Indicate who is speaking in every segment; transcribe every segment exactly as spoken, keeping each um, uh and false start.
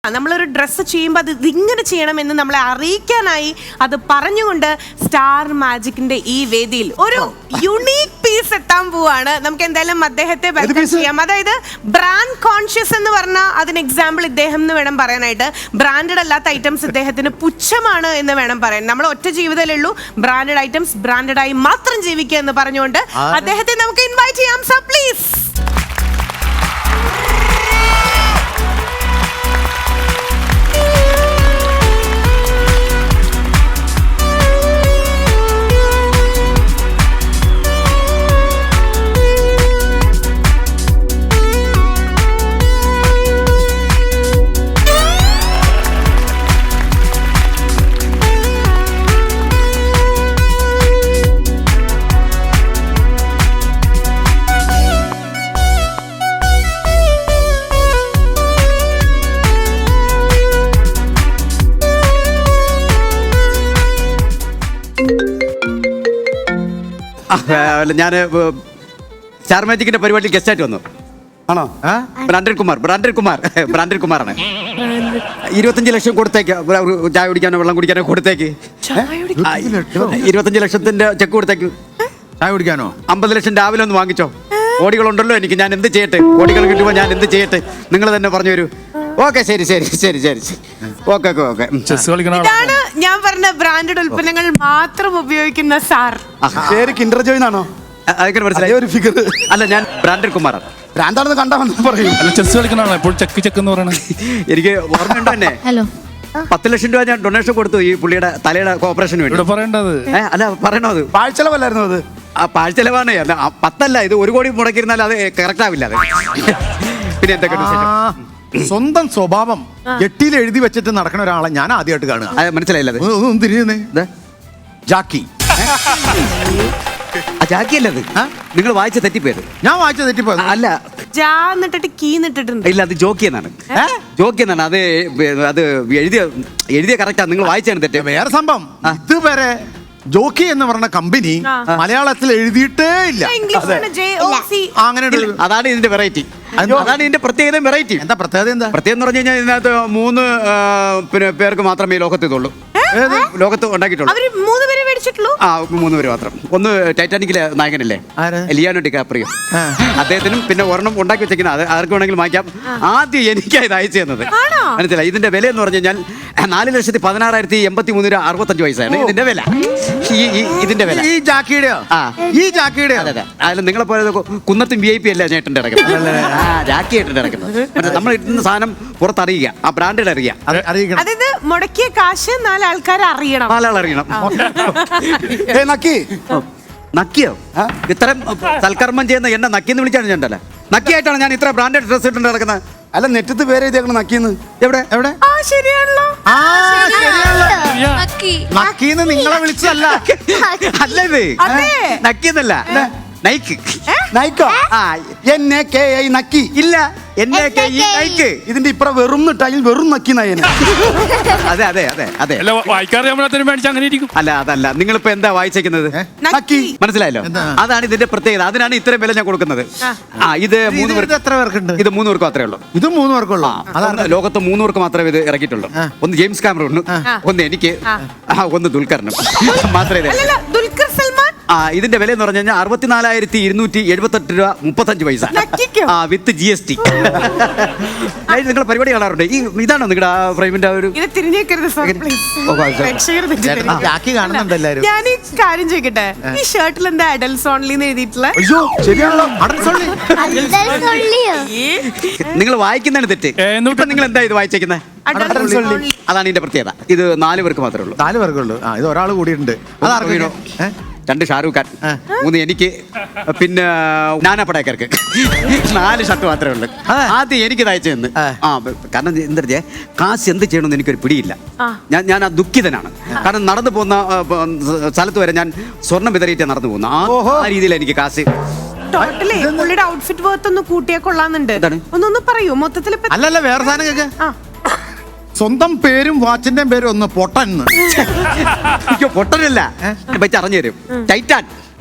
Speaker 1: നമ്മളൊരു ഡ്രസ്സ് ചെയ്യുമ്പോൾ അത് ഇതിങ്ങനെ ചെയ്യണമെന്ന് നമ്മളെ അറിയിക്കാനായി അത് പറഞ്ഞുകൊണ്ട് സ്റ്റാർ മാജിക്കിന്റെ ഈ വേദിയിൽ ഒരു യുണീക് പീസ് എത്താൻ പോവാണ്. നമുക്ക് എന്തായാലും അദ്ദേഹത്തെ വെൽക്കം ചെയ്യാം. അതായത് ബ്രാൻഡ് കോൺഷ്യസ് എന്ന് പറഞ്ഞാൽ അതിന് എക്സാമ്പിൾ ഇദ്ദേഹം എന്ന് വേണം പറയാനായിട്ട്. ബ്രാൻഡഡ് അല്ലാത്ത ഐറ്റംസ് ഇദ്ദേഹത്തിന് പുച്ഛമാണ് എന്ന് വേണം പറയാൻ. നമ്മൾ ഒറ്റ ജീവിതമല്ലേ ഉള്ളൂ, ബ്രാൻഡഡ് ഐറ്റംസ് ബ്രാൻഡഡ് ആയി മാത്രം ജീവിക്കുക എന്ന് പറഞ്ഞുകൊണ്ട് അദ്ദേഹത്തെ നമുക്ക് ഇൻവൈറ്റ് ചെയ്യാം. Sir please.
Speaker 2: ഞാൻ സ്റ്റാർ മാജിക്കിന്റെ പരിപാടിയിൽ ഗസ്റ്റായിട്ട് വന്നു. ആണോ? Brandon Kumar Brandon Kumar Brandon കുമാറാണ്. ഇരുപത്തഞ്ച് ലക്ഷം കൊടുത്തേക്ക്, ചായ കുടിക്കാനോ വെള്ളം കുടിക്കാനോ കൊടുത്തേക്ക്. ഇരുപത്തഞ്ച് ലക്ഷത്തിന്റെ ചെക്ക് കൊടുത്തേക്ക്.
Speaker 3: ചായ കുടിക്കാനോ?
Speaker 2: അമ്പത് ലക്ഷം രാവിലെ ഒന്ന് വാങ്ങിച്ചോ. കോടികളുണ്ടല്ലോ എനിക്ക്, ഞാൻ എന്ത് ചെയ്യട്ടെ? കോടികൾ കിട്ടുമ്പോൾ ഞാൻ എന്ത് ചെയ്യട്ടെ? നിങ്ങൾ തന്നെ പറഞ്ഞു തരൂ. ഓക്കെ, ശരി ശരി ശരി ശരി ഓക്കെ ഓക്കെ ഓക്കെ.
Speaker 1: ഇതാണ് ഞാൻ പറഞ്ഞ ബ്രാൻഡഡ് ഉൽപ്പന്നങ്ങൾ മാത്രം ഉപയോഗിക്കുന്ന സാർ.
Speaker 3: പേര് കിൻഡർ ജോയ് എന്നാണോ?
Speaker 2: അതൊക്കെ മനസ്സിലായി. ഒരു ഫിഗർ അല്ല, ഞാൻ ബ്രാൻഡൻ കുമാറാണ്.
Speaker 3: ഭ്രാന്താണെന്ന് കണ്ടാ പറയും.
Speaker 4: അല്ല, ചെസ് കളിക്കണോ എപ്പോഴും ചെക്ക് ചെക്ക് എന്ന് പറയണത്?
Speaker 2: എനിക്ക് ഓർമ്മയുണ്ടോ എന്നെ?
Speaker 5: ഹലോ,
Speaker 2: പത്ത് ലക്ഷം രൂപ ഞാൻ ഡൊണേഷൻ കൊടുത്തു ഈ പുള്ളിയുടെ തലയുടെ ഓപ്പറേഷന് വേണ്ടി.
Speaker 4: ഇവിടെ പറയേണ്ടത്
Speaker 2: അല്ല, പറയണോ? അത്
Speaker 3: പാഴ്ചെലവല്ലായിരുന്നു അത്?
Speaker 2: ആ പാഴ്ചെലവാണ്. പത്തല്ല, ഇത് ഒരു കോടി മുടക്കിയിരുന്നാൽ അത് കറക്റ്റ് ആവില്ല. അത് പിന്നെ എന്തൊക്കെ
Speaker 3: സ്വന്തം സ്വഭാവം എട്ടിയിൽ എഴുതി വെച്ചിട്ട് നടക്കുന്ന ഒരാളെ ഞാൻ ആദ്യമായിട്ട് കാണുക.
Speaker 2: മനസ്സിലായില്ല.
Speaker 3: തിരിയുന്നേ ജാക്കി.
Speaker 2: ജാക്കി അല്ലത്, നിങ്ങൾ വായിച്ച തെറ്റിപ്പോയത്.
Speaker 3: ഞാൻ വായിച്ച തെറ്റിപ്പോയത്
Speaker 2: അല്ല,
Speaker 1: ജാ എന്നിട്ടിട്ട് കീ എന്നിട്ടിട്ടുണ്ട്.
Speaker 2: ഇല്ല, അത് ജോക്കി എന്നാണ്. ജോക്കി എന്നാണ് അത്. അത് എഴുതിയ എഴുതിയ കറക്റ്റാ, നിങ്ങൾ വായിച്ചാണ് തെറ്റ്.
Speaker 3: വേറെ സംഭവം, ഇതുവരെ ജോക്കി എന്ന് പറഞ്ഞ കമ്പനി മലയാളത്തിൽ എഴുതിയിട്ടേ ഇല്ല.
Speaker 2: അങ്ങനെ അതാണ് ഇതിന്റെ വെറൈറ്റി. അതാണ് ഇതിന്റെ പ്രത്യേകത. വെറൈറ്റി
Speaker 3: എന്താ പ്രത്യേകത? എന്താ പ്രത്യേകത
Speaker 2: എന്ന് പറഞ്ഞു കഴിഞ്ഞാൽ ഇതിനകത്ത് മൂന്ന് പിന്നെ പേർക്ക് മാത്രമേ ലോകത്ത് ഇതുള്ളൂ, ലോകത്ത് ഉണ്ടാക്കിയിട്ടുള്ളൂ. ആ, മൂന്ന് പേര് മാത്രം. ഒന്ന് ടൈറ്റാനിക്കിലെ നായകനല്ലേ, ലിയാനോ ഡികാപ്രിയോ, അദ്ദേഹത്തിനും പിന്നെ ഒരെണ്ണം ഉണ്ടാക്കി വെച്ചേക്കുന്നത്. അത് ആർക്ക് വേണമെങ്കിലും വാങ്ങിക്കാം. ആദ്യം എനിക്കാണ് ഇത് അയച്ചു തന്നത്. മനസ്സിലായി. ഇതിന്റെ വില എന്ന് പറഞ്ഞു കഴിഞ്ഞാൽ നാല് ലക്ഷത്തി പതിനാറായിരത്തി എൺപത്തി മൂന്ന് രൂപ അറുപത്തഞ്ച് പൈസയാണ് ഇതിന്റെ വില. ഇതിന്റെ വില ഈ ജാക്കിയുടെ ഈ ജാക്കിയുടെ അതെ അതെ. അതിൽ നിങ്ങളെ പോലെ കുന്നത്തും വി ഐ പി അല്ല ചേട്ടൻ്റെ ഇറക്കുന്നത്, ജാക്കി ചേട്ടൻ്റെ ഇറക്കുന്നത്. നമ്മൾ ഇട്ടുന്ന സാധനം പുറത്തറിയുക, ആ ബ്രാൻഡിൽ അറിയുക.
Speaker 1: അതായത് മുടക്കിയ കാശ് നാലാൾക്കാർ അറിയണം,
Speaker 2: നാലാൾ അറിയണം.
Speaker 3: നക്കി
Speaker 2: നക്കിയോ? ഇത്രയും സൽക്കർമ്മം ചെയ്യുന്ന എന്നെ നക്കിന്ന് വിളിച്ചാണ് ഞാൻ ഉണ്ടല്ലേ. നക്കിയായിട്ടാണ് ഞാൻ ഇത്ര ബ്രാൻഡഡ് ഡ്രസ് ഇട്ടുണ്ട് നടക്കുന്നത്.
Speaker 3: അല്ല, നെറ്റത്ത് പേര് എഴുതിയേക്കണം നക്കിന്ന്.
Speaker 2: എവിടെ എവിടെ?
Speaker 1: ശരിയാണല്ലോ.
Speaker 3: നക്കിന്ന് നിങ്ങളെ വിളിച്ചതല്ല.
Speaker 2: അല്ല, ഇത് നക്കിന്നല്ല, നൈക്ക്.
Speaker 3: നൈക്കോ? എന്നെ കെ ഐ നക്കി.
Speaker 2: ഇല്ല, എന്നെ കെ ഇ നൈക്ക്.
Speaker 3: ഇതിന്റെ ഇപ്പുറം വെറും നിട്ടായി വെറും നക്കി നയന്.
Speaker 2: അതെ അതെ അതെ അതെ.
Speaker 4: അങ്ങനെ ഇരിക്കും.
Speaker 2: അല്ല, അതല്ല. നിങ്ങളിപ്പോ എന്താ വായിച്ചേക്കുന്നത്?
Speaker 3: നക്കി.
Speaker 2: മനസ്സിലായല്ലോ? അതാണ് ഇതിന്റെ പ്രത്യേകത. അതിനാണ് ഇത്രയും വില ഞാൻ കൊടുക്കുന്നത്. ആ, ഇത് മൂന്ന് പേർക്ക്.
Speaker 3: എത്ര പേർക്കുണ്ട്?
Speaker 2: ഇത് മൂന്ന് പേർക്ക് മാത്രമേ ഉള്ളൂ. ഇത്
Speaker 3: മൂന്ന് പേർക്കുള്ളൂ.
Speaker 2: അതാണ് ലോകത്ത് മൂന്ന് പേർക്ക് മാത്രമേ ഇത് ഇറക്കിയിട്ടുള്ളൂ. ഒന്ന് ജെയിംസ് കാമറൂണ്, ഒന്ന് എനിക്ക്, ഒന്ന് ദുൽഖറിനും മാത്രമേ.
Speaker 1: ദുൽഖർ സൽമാൻ.
Speaker 2: ആ, ഇതിന്റെ വില എന്ന് പറഞ്ഞു കഴിഞ്ഞാൽ അറുപത്തിനാലായിരത്തി ഇരുന്നൂറ്റി എഴുപത്തെട്ട് രൂപ മുപ്പത്തഞ്ച് പൈസ. ആ, വിത്ത് ജി എസ് ടി. നിങ്ങൾ പരിപാടി കാണാറുണ്ട്? ഈ ഇതാണോ നിങ്ങളുടെ ആ ഫ്രെയിമിന്റെ ഒരു?
Speaker 3: കാണുന്നുണ്ട് എല്ലാരും.
Speaker 1: ഞാൻ ഈ കാര്യം ചോദിക്കട്ടെ, ഈ ഷർട്ടിൽ എന്താ അഡൽസ് ഓൺലി എഴുതിയിട്ടുള്ള?
Speaker 3: ശരിയാണല്ലോ,
Speaker 2: നിങ്ങൾ വായിക്കുന്നതാണ് തെറ്റ്. നിങ്ങൾ എന്താ ഇത് വായിച്ചേക്കുന്നത്? അതാണ് ഇതിന്റെ പ്രത്യേകത. ഇത് നാല് പേർക്ക് മാത്രമേ ഉള്ളൂ.
Speaker 3: നാല് പേർക്കുള്ളൂ. ഇത് ഒരാൾ കൂടിയിട്ടുണ്ട്. അതാർക്കോ?
Speaker 2: രണ്ട് ഷാരൂഖ് ഖാൻ, മൂന്ന് എനിക്ക്, പിന്നെ നാനാ പടേക്കർക്ക്. നാല് ഷർട്ട് മാത്രമേ ഉള്ളൂ. ആദ്യം എനിക്ക് അയച്ചു തന്ന്. ആ, കാരണം എന്താ വെച്ചാൽ കാശ് എന്ത് ചെയ്യണമെന്ന് എനിക്കൊരു പിടിയില്ല. ഞാൻ ഞാൻ ആ ദുഃഖിതനാണ്. കാരണം നടന്നു പോകുന്ന സ്ഥലത്ത് വരെ ഞാൻ സ്വർണം വിതറിയിട്ടേ നടന്നു പോകുന്നു. ആ രീതിയിൽ എനിക്ക് കാശ്.
Speaker 1: പുള്ളിയുടെ ഔട്ട്ഫിറ്റ് വർത്ത് ഒന്ന് കൂട്ടിയാ കൊള്ളാന്നുണ്ട്. ഒന്നൊന്ന് പറയൂ മൊത്തത്തിൽ.
Speaker 3: അല്ലല്ല, വേറെ സാധനം കേക്ക്. സ്വന്തം പേരും വാച്ചിന്റെ പേരും ഒന്ന് പൊട്ടൻ.
Speaker 2: പൊട്ടനല്ല, പറ്റി അറിഞ്ഞു തരും. ടൈറ്റാൻ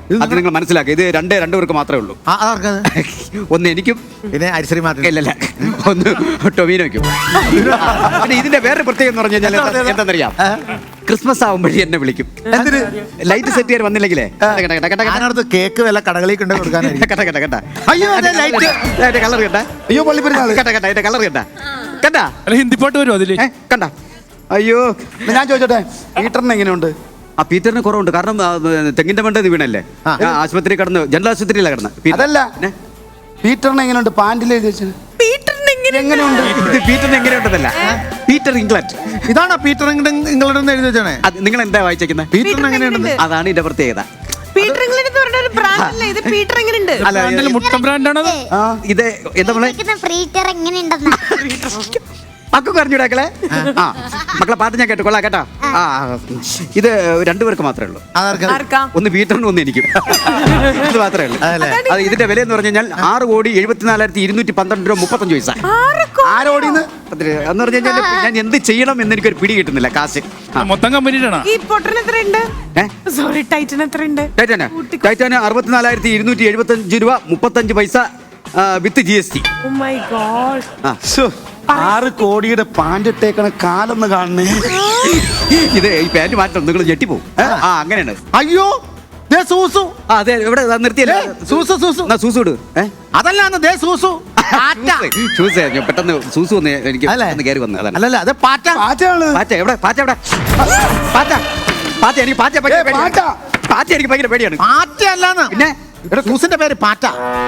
Speaker 2: അത് നിങ്ങൾ മനസ്സിലാക്കുക. ഇത് രണ്ടേ രണ്ടു പേർക്ക് മാത്രമേ ഉള്ളൂ.
Speaker 3: ആ, അതാർക്കത്?
Speaker 2: ഒന്ന് എനിക്കും,
Speaker 3: പിന്നെ അരിശ്രീ മാറ്റി
Speaker 2: ഇല്ലല്ല ഒന്ന് ടൊമീനോയ്ക്കും. പിന്നെ ഇതിന്റെ വേറെ പ്രത്യേകം എന്ന് പറഞ്ഞു കഴിഞ്ഞാൽ എന്താണെന്നറിയാം, ക്രിസ്മസ് ആവുമ്പോഴേ എന്നെ വിളിക്കും.
Speaker 3: എന്തിന്?
Speaker 2: ലൈറ്റ് സെറ്റ് ചെയ്യാൻ വന്നില്ലെങ്കിലേ കേട്ട കേട്ട കേട്ട
Speaker 3: ഞാനടുത്ത് കേക്ക് വല്ല കടകളിൽ കൊണ്ട് കൊടുക്കാനായിരിക്കും.
Speaker 2: കേട്ട കേട്ട കേട്ട
Speaker 3: അയ്യോ, അതെ, light.
Speaker 2: അതിന്റെ കളർ കേട്ട.
Speaker 3: അയ്യോ, പള്ളിപ്പെരുന്നാള്.
Speaker 2: കേട്ട കേട്ട അതിന്റെ കളർ കേട്ട കേട്ട
Speaker 4: അല്ല ഹിന്ദി പാട്ട് വരുമോ അതില്?
Speaker 2: കണ്ട. അയ്യോ ഞാൻ ചോദിച്ചോട്ടെ, പീറ്ററിന് എങ്ങനെയുണ്ട്? ആ പീറ്ററിന് കുറവുണ്ട്. കാരണം ആ, തെങ്ങിന്റെ മണ്ടത് വീണല്ലേ,
Speaker 3: ആ.
Speaker 2: ഞാൻ ആശുപത്രി കടന്ന്, ജനറൽ ആശുപത്രിയിലാണ് കിടന്ന്.
Speaker 5: അതല്ല പീറ്ററിന് എങ്ങനെയുണ്ട്? പാൻറിൽ എഴുതി വെച്ചത്
Speaker 1: പീറ്ററിന് എങ്ങനെ
Speaker 5: എങ്ങനെയുണ്ട്?
Speaker 2: ഇത് പീറ്ററിന് എങ്ങനെയുണ്ടെന്നല്ല, പീറ്റർ ഇംഗ്ലണ്ട്.
Speaker 3: ഇതാണോ പീറ്റർ നിങ്ങളുടെ എഴുതി വെച്ചാണേ?
Speaker 2: അത് നിങ്ങൾ എന്താ വായിച്ചേക്കുന്നത്?
Speaker 3: പീറ്ററിന് എങ്ങനെയുണ്ട്?
Speaker 2: അതാണ് ഇതിന്റെ പ്രത്യേകത.
Speaker 1: പീറ്റർ ഇംഗ്ലണ്ട് എന്ന് പറഞ്ഞ ഒരു ബ്രാൻഡ് അല്ലേ ഇത്? പീറ്റർ എങ്ങനെയുണ്ട്?
Speaker 2: അല്ല
Speaker 4: ബ്രാൻഡില് മുട്ടൻ ബ്രാൻഡാണത്.
Speaker 2: ആ, ഇത് എന്താ നമ്മളെ
Speaker 6: ഫ്രീറ്റർ എങ്ങനെയുണ്ടെന്നാ
Speaker 2: മക്കൾ പറഞ്ഞിടാക്കളെ. ആ മക്കളെ പാട്ട് ഞാൻ കേട്ടു, കൊള്ളാം കേട്ടാ. ആ ഇത് രണ്ടുപേർക്ക് മാത്രമേ ഉള്ളൂ.
Speaker 3: അതാർക്കത്?
Speaker 1: ആർക്കാ?
Speaker 2: ഒന്ന് പീറ്ററിനും ഒന്ന് എനിക്കും. ഇത് മാത്രമേ ഉള്ളൂ.
Speaker 3: അതല്ലേ?
Speaker 2: അത് ഇതിന്റെ വില എന്ന് പറഞ്ഞു കഴിഞ്ഞാൽ ആറ് കോടി എഴുപത്തിനാലായിരത്തി ഇരുന്നൂറ്റി പന്ത്രണ്ട് രൂപ മുപ്പത്തഞ്ച് പൈസ.
Speaker 1: ആർക്കോ?
Speaker 5: ആരോടിന്ന്?
Speaker 2: എന്ന് പറഞ്ഞു കഴിഞ്ഞാൽ ഞാൻ എന്ത് ചെയ്യണം എന്ന് എനിക്കൊരു പിടി കിട്ടുന്നില്ല. കാശ് ആ.
Speaker 4: മൊത്തം കമ്പനിയിലാണ്.
Speaker 1: ഈ പൊട്ടന് എത്രയുണ്ട്?
Speaker 2: ഏ?
Speaker 1: സോറി, ടൈറ്റൻ എത്രയുണ്ട്?
Speaker 2: ടൈറ്റാന് ടൈറ്റാന് അറുപത്തിനാലായിരത്തി ഇരുന്നൂറ്റി എഴുപത്തഞ്ച് രൂപ മുപ്പത്തഞ്ച് പൈസ with G S T.
Speaker 1: Oh my God.
Speaker 5: ശ്ശോ, ആറ് കോടിയുടെ പാൻറ് ഇട്ടേക്കണ കാലൊന്ന് കാണണേ.
Speaker 2: ഇത് ഈ പാന്റ് മാറ്റം നിങ്ങൾ ഞെട്ടിപ്പോവും. ആ അങ്ങനെയാണ്.
Speaker 3: അയ്യോ, ദേ സൂസു.
Speaker 2: ആ അതെ, ഇവിടെ നിർത്തിയല്ലേ.
Speaker 3: സൂസു സൂസു
Speaker 2: എന്നാ സൂസു ഇട്. ഏ?
Speaker 3: അതല്ലാന്ന് ദേ സൂസു. പാറ്റ.
Speaker 2: ഷൂസ് ഞാൻ പെട്ടെന്ന് സൂസു ഒന്ന് എനിക്ക്
Speaker 3: അല്ലേ?
Speaker 2: ഒന്ന് കയറി വന്നു. അതാണ്
Speaker 3: അല്ലല്ല, അത് പാറ്റ.
Speaker 5: പാറ്റാണ്.
Speaker 2: പാറ്റ എവിടെ? പാറ്റ എവിടെ? പാറ്റ പാറ്റ എനിക്ക് പാറ്റ ഭയങ്കര പേടിയാണ്.
Speaker 5: പാറ്റ.
Speaker 2: പാറ്റ എനിക്ക് ഭയങ്കര പേടിയാണ്.
Speaker 3: പാറ്റ അല്ലാന്ന്.
Speaker 2: പിന്നെ
Speaker 3: എടാ, സൂസിന്റെ പേര് പാറ്റ.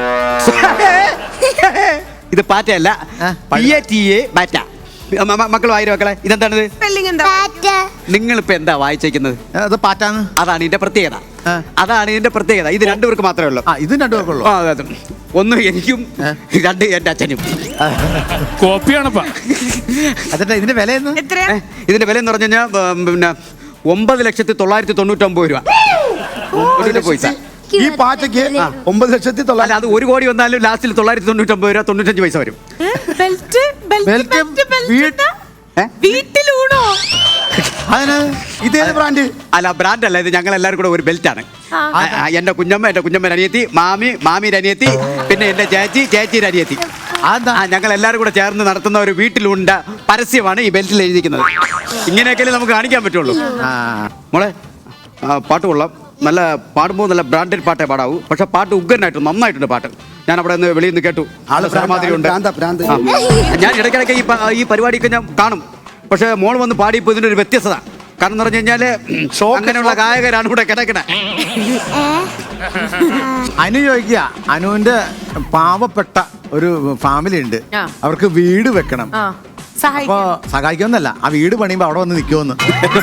Speaker 2: ഇത് പാറ്റയല്ല,
Speaker 3: ആ,
Speaker 2: പി എ ടി എ പാറ്റ. മ- മ- മക്കൾ വായിരോ മക്കളെ, ഇതെന്താണിത്?
Speaker 1: സ്പെല്ലിംഗ് എന്താ?
Speaker 6: പാറ്റ
Speaker 2: നിങ്ങളിപ്പോ എന്താ വായിച്ചേക്കുന്നത്?
Speaker 3: അത് പാറ്റാന്ന്.
Speaker 2: അതാണ് ഇതിന്റെ പ്രത്യേകത.
Speaker 3: ആ.
Speaker 2: അതാണ് ഇതിന്റെ പ്രത്യേകത. ഇത് രണ്ടുപേർക്ക് മാത്രമേ ഉള്ളൂ.
Speaker 3: ആ, ഇതും രണ്ടു പേർക്കുള്ളൂ.
Speaker 2: ആ, അതെ, അതെ. ഒന്ന് എനിക്കും രണ്ട് എന്റെ അച്ഛനും.
Speaker 4: കോപ്പിയാണപ്പാ.
Speaker 3: അതിന്റെ ഇതിന്റെ വില എന്ന്
Speaker 1: എത്രയാ?
Speaker 2: ഏ, ഇതിന്റെ വില എന്ന് പറഞ്ഞു കഴിഞ്ഞാൽ പിന്നെ ഒമ്പത് ലക്ഷത്തി തൊള്ളായിരത്തി തൊണ്ണൂറ്റൊമ്പത് രൂപ ഒരു പൈസ.
Speaker 5: ഈ പാറ്റയ്ക്ക് ഒമ്പത് ലക്ഷത്തി
Speaker 2: അല്ല,
Speaker 5: തൊള്ളായിരം.
Speaker 2: അത് ഒരു കോടി വന്നാലും ലാസ്റ്റിൽ തൊള്ളായിരത്തി തൊണ്ണൂറ്റൊമ്പത് രൂപ തൊണ്ണൂറ്റഞ്ച് പൈസ വരും.
Speaker 1: ഏ? Belt belt
Speaker 3: belt
Speaker 1: belt belt
Speaker 3: വീട്ട്-
Speaker 1: എന്താ?
Speaker 2: ഏ?
Speaker 1: വീട്ടിലൂണോ?
Speaker 3: അതിന്
Speaker 5: ഇതേത് ബ്രാൻഡ്?
Speaker 2: അല്ല ബ്രാൻഡ് അല്ല, ഇത് ഞങ്ങൾ എല്ലാവരും കൂടെ ഒരു ബെൽറ്റ് ആണ്.
Speaker 1: ആ.
Speaker 2: എന്റെ കുഞ്ഞമ്മ, എന്റെ കുഞ്ഞമ്മയുടെ അനിയത്തി, മാമി, മാമിയുടെ അനിയത്തി, പിന്നെ എന്റെ ചേച്ചി, ചേച്ചിയുടെ അനിയത്തി.
Speaker 3: അതെന്താ?
Speaker 2: ആ ഞങ്ങൾ എല്ലാവരും കൂടെ ചേർന്ന് നടത്തുന്ന ഒരു വീട്ടിലുണ്ട പരസ്യമാണ് ഈ ബെൽറ്റിൽ എഴുതിയിരിക്കുന്നത്. ഇങ്ങനെയൊക്കെ നമുക്ക് കാണിക്കാൻ പറ്റുള്ളൂ.
Speaker 3: ആ,
Speaker 2: മോളെ ആ, പാട്ട് കൊള്ളാം. നല്ല പാടുമ്പോൾ നല്ല ബ്രാൻഡഡ് പാട്ടേ പാടാവൂ. പക്ഷെ പാട്ട് ഉഗ്രനായിട്ട് നന്നായിട്ടുണ്ട് പാട്ട്. ഞാൻ അവിടെ നിന്ന് വെളിയിൽ നിന്ന് കേട്ടു. ആള് മാതിരി ഉണ്ട്.
Speaker 5: ഭ്രാന്താ, ഭ്രാന്ത്.
Speaker 2: ഞാൻ ഇടയ്ക്കിടയ്ക്ക് ഈ പ- ഈ പരിപാടിയൊക്കെ ഞാൻ കാണും. പക്ഷെ മോൾ വന്ന് പാടിയപ്പോൾ ഇതിൻ്റെ ഒരു വ്യത്യസ്തത. കാരണം എന്ന് പറഞ്ഞു കഴിഞ്ഞാല് അങ്ങനെയുള്ള ഗായകരാണ് ഇവിടെ കിടക്കണേ.
Speaker 3: അനു ചോദിക്കുക, അനുവിന്റെ പാവപ്പെട്ട ഒരു ഫാമിലി ഉണ്ട്,
Speaker 1: ആ.
Speaker 3: അവർക്ക് വീട് വെക്കണം.
Speaker 1: ആ,
Speaker 3: അപ്പൊ
Speaker 1: സഹായിക്കാം.
Speaker 3: സഹായിക്കുമെന്നല്ല, ആ വീട് പണിയുമ്പോ അവിടെ വന്ന് നിൽക്കുമെന്ന്.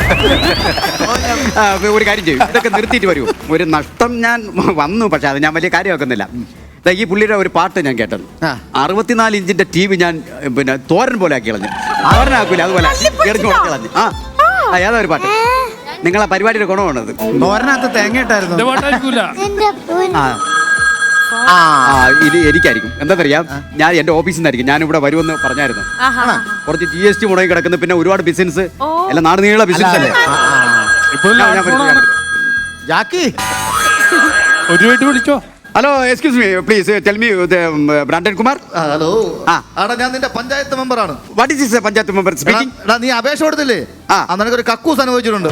Speaker 2: ആ, ഒരു കാര്യം ചെയ്യും, ഇതൊക്കെ നിർത്തിയിട്ട് വരൂ. ഒരു നഷ്ടം ഞാൻ വന്നു, പക്ഷെ അത് ഞാൻ വലിയ കാര്യമാക്കുന്നില്ല. ദാ ഈ പുള്ളിയുടെ ഒരു പാട്ട് ഞാൻ കേട്ടത്.
Speaker 3: ആ.
Speaker 2: അറുപത്തിനാല് ഇഞ്ചിന്റെ ടി വി ഞാൻ പിന്നെ തോരൻ പോലെ ആക്കി കളഞ്ഞു. തോരനാക്കൂല, അതുപോലെ എറിഞ്ഞു കൊടുത്ത് കളഞ്ഞു. ആ ആ, ഏതാ ഒരു പാട്ട്? നിങ്ങളെ പരിപാടിയുടെ ഗുണമാണത്.
Speaker 3: തോരനകത്ത് തേങ്ങ
Speaker 4: എന്റെ
Speaker 3: ഇട്ടായിരുന്നു.
Speaker 4: പാട്ടായിരിക്കൂല.
Speaker 6: എന്റെ പൊന്ന്.
Speaker 2: ആ
Speaker 3: ആ,
Speaker 2: ആ ഇത് എനിക്കായിരിക്കും. എന്താണെന്നറിയാം, ഞാൻ എൻ്റെ ഓഫീസിൽ നിന്നായിരിക്കും. ഞാൻ ഇവിടെ വരുമെന്ന് പറഞ്ഞായിരുന്നു.
Speaker 1: ആഹാ.
Speaker 2: കുറച്ച് ജി എസ് ടി മുടങ്ങി കിടക്കുന്നു, പിന്നെ ഒരുപാട് ബിസിനസ്
Speaker 1: ഓ.
Speaker 2: എല്ലാം നാട് നീള ബിസിനസ് അല്ലേ.
Speaker 3: ആ, ആ.
Speaker 4: ഇപ്പൊ
Speaker 2: ഞാൻ- ഞാൻ വരും, ഞാൻ വരും.
Speaker 3: ജാക്കി,
Speaker 4: ഒരു വീട്ട് വിളിച്ചോ.
Speaker 2: Hello, excuse me please tell me Brandon Kumar.
Speaker 7: Hello
Speaker 2: ആ.
Speaker 7: ആടാ, ഞാൻ നിന്റെ പഞ്ചായത്ത് മെമ്പറാണ്.
Speaker 2: What is this panchayat member speaking?
Speaker 7: എടാ, നീ അപേക്ഷ കൊടുത്തില്ലേ?
Speaker 2: ആ.
Speaker 7: ആ, നിനക്കൊരു കക്കൂസ് അനുഭവിച്ചിട്ടുണ്ട്.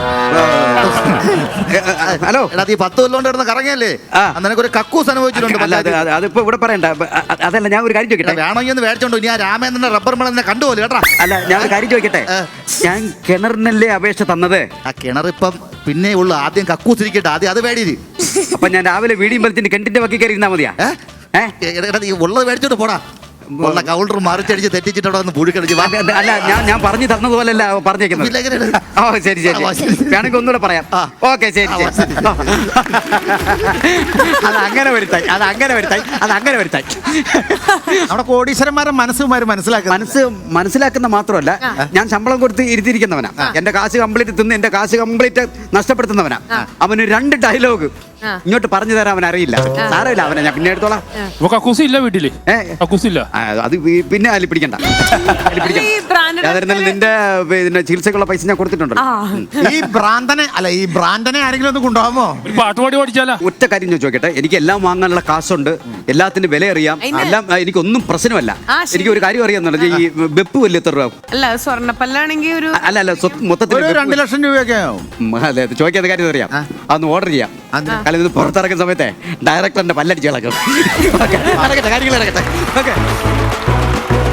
Speaker 2: ഹലോ.
Speaker 7: എടാ, നീ പത്ത് കൊല്ലം കൊണ്ട് കിടന്ന് കറങ്ങിയല്ലേ?
Speaker 2: ആ.
Speaker 7: ആ, നിനക്കൊരു കക്കൂസ് അനുഭവിച്ചിട്ടുണ്ട്.
Speaker 2: അല്ല അത് അത് അതിപ്പോ ഇവിടെ പറയണ്ട. അ- അ- അതല്ല, ഞാൻ ഒരു കാര്യം
Speaker 7: എടാ,
Speaker 2: ചോദിക്കട്ടെ.
Speaker 7: വേണമെങ്കിൽ ഒന്ന് മേടിച്ചോണ്ടോ. നീ ആ രാമേന്ദ്രന്റെ റബ്ബർ മണൽ എന്നെ കണ്ടുപോലെ കേട്ടാ.
Speaker 2: അല്ല, ഞാൻ ഒരു കാര്യം ചോദിക്കട്ടെ.
Speaker 7: ഏ.
Speaker 2: ഞാൻ കിണറിനല്ലേ അപേക്ഷ തന്നത്?
Speaker 7: ആ കിണറിപ്പം പിന്നെ ഉള്ളു. ആദ്യം കക്കൂസ് ഇരിക്കട്ടെ, ആദ്യം അത് മേടിയത്.
Speaker 2: അപ്പൊ ഞാൻ രാവിലെ വീടിയും വലിച്ചിട്ട് കിണറ്റിന്റെ വക്കി കയറി ഇരുന്നാ മതിയാ? ഏ?
Speaker 7: എടാ, നീ ഉള്ളത് മേടിച്ചോണ്ട് പോടാ. ഉള്ള കൗണ്ടർ മറിച്ചടിച്ച് തെറ്റിച്ചിട്ട് അവിടെ വന്ന് പുഴുക്കടിച്ച് വാ.
Speaker 2: അല്ല, അല്ല ഞാൻ ഞാൻ പറഞ്ഞു തന്നതുപോലല്ല പറഞ്ഞേക്കുന്നത്.
Speaker 7: പിന്നെ എങ്ങനെയാണ്?
Speaker 2: ഓ ശരി ശരി
Speaker 7: ആ, ശരി.
Speaker 2: വേണമെങ്കിൽ ഒന്നുകൂടെ പറയാം.
Speaker 7: ആ.
Speaker 2: ഓക്കെ ശരി
Speaker 7: ആ,
Speaker 2: ശരി. അത് അങ്ങനെ വരുത്തായി, അത് അങ്ങനെ വരുത്തായി, അത് അങ്ങനെ വരുത്തായി.
Speaker 3: നമ്മുടെ കോടീശ്വരന്മാരെ മനസ്സുമാര് മനസ്സിലാക്കുക.
Speaker 2: മനസ്സ് മനസ്സിലാക്കുന്ന മാത്രമല്ല, ഞാൻ ശമ്പളം കൊടുത്ത് ഇരുത്തിയിരിക്കുന്നവനാ. എന്റെ കാശ് കംപ്ലീറ്റ് തിന്ന് എന്റെ കാശ് കംപ്ലീറ്റ് നഷ്ടപ്പെടുത്തുന്നവനാ. അവന് രണ്ട് ഡയലോഗ് ഇങ്ങോട്ട് പറഞ്ഞു തരാൻ അവൻ അറിയില്ല. സാരമില്ല, അവനെ ഞാൻ പിന്നെ എടുത്തോളാം.
Speaker 4: ഇപ്പൊ കക്കൂസ് ഇല്ല വീട്ടില്.
Speaker 2: ഏ?
Speaker 4: കക്കൂസ് ഇല്ല.
Speaker 2: ആ, അത് ഈ- പിന്നെ അതിൽ പിടിക്കണ്ട. അതിൽ പിടിക്കണ്ട.
Speaker 1: ഈ branded
Speaker 2: യാതൊരുന്നാലും നിന്റെ പിന്നെ ചികിത്സക്കുള്ള പൈസ ഞാൻ കൊടുത്തിട്ടുണ്ടല്ലോ.
Speaker 3: ഈ ഭ്രാന്തനെ അല്ല ഈ ഭ്രാന്തനെ ആരെങ്കിലും ഒന്ന് കൊണ്ടുപോകാമോ?
Speaker 4: ഒരു പാട്ട് പാടി പഠിച്ചാലാ.
Speaker 2: ഒറ്റ കാര്യം ഞാൻ ചോദിക്കട്ടെ, എനിക്ക് എല്ലാം വാങ്ങാനുള്ള കാശുണ്ട്, എല്ലാത്തിന്റെ വില അറിയാം,
Speaker 1: അതിന്
Speaker 2: എല്ലാം ആ, എനിക്കൊന്നും പ്രശ്നമല്ല.
Speaker 1: ആ, ശരി.
Speaker 2: എനിക്ക് ഒരു കാര്യം അറിയാന്നുള്ളത് ഈ വെപ്പ് വലിയ എത്ര രൂപ?
Speaker 1: അല്ല സ്വർണ്ണപ്പല്ലാണെങ്കിൽ ഒരു
Speaker 2: അല്ല അല്ല സ്വത്ത് മൊത്തത്തിൽ
Speaker 3: ഒരു രണ്ട് ലക്ഷം രൂപയൊക്കെ ആവും.
Speaker 2: ഉം, അതെ അതെ, ചോദിക്കാത്ത കാര്യം അറിയാം. അതൊന്ന് ഓർഡർ ചെയ്യാം.
Speaker 3: അതെന്താ?
Speaker 2: കാരണം ഇത് പുറത്തിറക്കുന്ന സമയത്തെ ഡയറക്ടറിന്റെ പല്ലടിച്ച് കളക്കും. ഓക്കെ, നടക്കട്ടെ, കാര്യങ്ങൾ നടക്കട്ടെ. ഓക്കെ.